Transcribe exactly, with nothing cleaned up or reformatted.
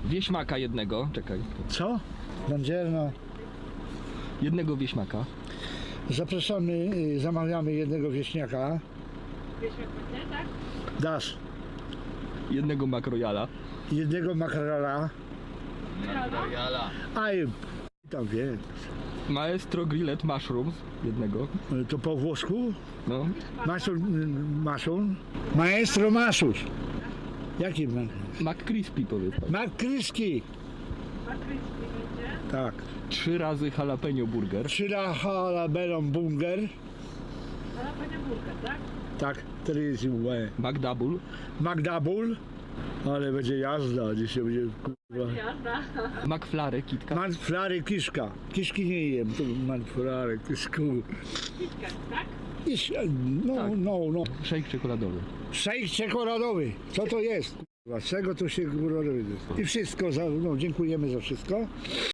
Wieśmaka jednego, czekaj. Co? Bandzierno. Jednego wieśmaka. Zapraszamy, y, zamawiamy jednego wieśniaka. Wieśniak będzie, tak? Dasz. Jednego makrojala. Jednego makrela. Makrela. Aj, tam wie. Maestro Grillet Mushrooms. Jednego. To po włosku? No. Masun, masun. Maestro Masus. Jaki ma? McCrispy powiedz. McCrispy. Makryjski będzie. Tak. Trzy razy jalapeno burger. Trzyla jalapeno burger. Ale będzie burger, tak? Tak, trzy łe. McDouble. McDouble. Ale będzie jazda, dzisiaj będzie kurwa. Jazda. McFlurry KitKat. Manflary kiszka. Kiszki nie jem, to manflary kiszku. KitKat, tak? Iś, no, Tak. no, no. Shake czekoladowy. Szejk czekoladowy. Co to jest? Kurwa, z czego to się kurwa robi? I wszystko, za, no, dziękujemy za wszystko.